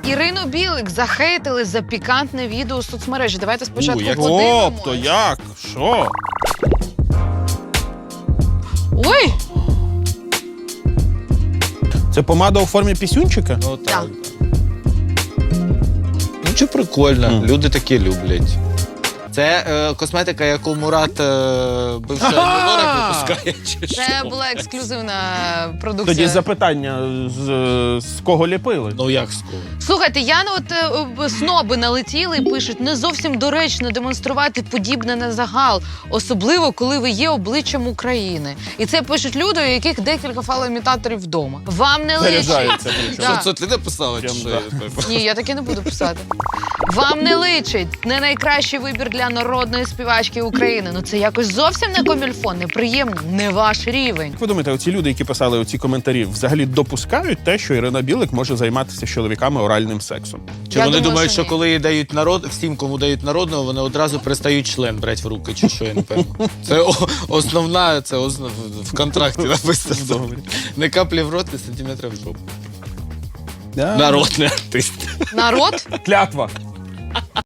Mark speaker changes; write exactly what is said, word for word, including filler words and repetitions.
Speaker 1: Ірину Білик захейтили за пікантне відео у соцмережі. Давайте спочатку
Speaker 2: У, як...
Speaker 1: подивимось.
Speaker 2: Тобто як? Що?
Speaker 1: Ой!
Speaker 2: Це помада у формі пісюнчика?
Speaker 3: Ну так.
Speaker 1: Так.
Speaker 3: Ну чи прикольно,
Speaker 2: Mm.
Speaker 3: люди такі люблять. Це е, косметика, яку Мурат е, бивший Альмонорик випускає, чи що?
Speaker 1: Це була ексклюзивна продукція.
Speaker 2: Тоді запитання, з, з кого ліпили?
Speaker 3: Ну як скоро?
Speaker 1: Слухайте, я ну, от е, сноби налетіли і пишуть, не зовсім доречно демонструвати подібне на загал, особливо, коли ви є обличчям України. І це пишуть люди, у яких декілька фалоімітаторів вдома. Вам не личить.
Speaker 2: Заряджається причому.
Speaker 1: Да.
Speaker 3: Що це ти написала?
Speaker 2: Прям
Speaker 3: чи що?
Speaker 2: да.
Speaker 1: Ні, я таке не буду писати. Вам не личить. Не найкращий вибір для народної співачки України. Ну це якось зовсім не комільфон, неприємно, не ваш рівень.
Speaker 2: Як ви думаєте, оці люди, які писали оці коментарі, взагалі допускають те, що Ірина Білик може займатися з чоловіками оральним сексом?
Speaker 3: Чи
Speaker 1: Я
Speaker 3: вони
Speaker 1: думаю,
Speaker 3: думають,
Speaker 1: що
Speaker 3: що
Speaker 1: ні.
Speaker 3: коли їй дають народ, всім, кому дають народного, вони одразу перестають член брати в руки, чи що, я не певно. Це о, основна, це основ, в контракті написано. Не каплі в рот, не сантиметра в жопу.
Speaker 2: Да.
Speaker 3: Народний артист.
Speaker 1: Народ?
Speaker 2: Клятва.